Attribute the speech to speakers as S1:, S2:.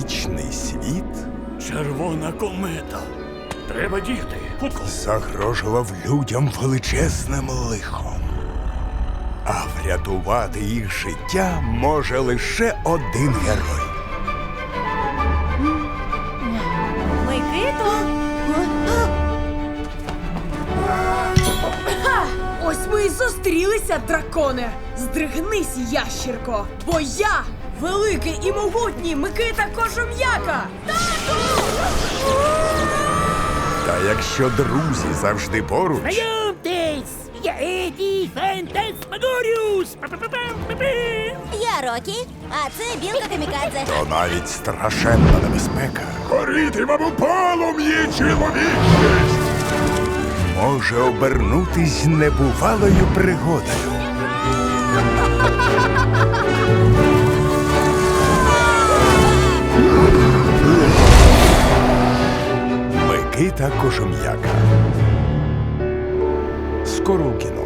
S1: магічний світ
S2: Червона комета. Треба діяти. Хутко.
S1: загрожував людям величезним лихом. А врятувати їх життя може лише один герой.
S3: Микито!
S4: Ось ми і зустрілися, драконе! Здригнись, ящірко! Бо я великий і могутній Микита Кожум'яка!
S1: Та якщо друзі завжди поруч,
S2: Знайомтесь! Я Еді Фантасмагоріус!
S3: Я Рокі, а це Білка Камікадзе.
S1: то навіть страшенна небезпека
S2: Горітимемо у полум'ї чоловічність!
S1: може обернутись небувалою пригодою. Микита Кожум'яка. Скоро у кіно.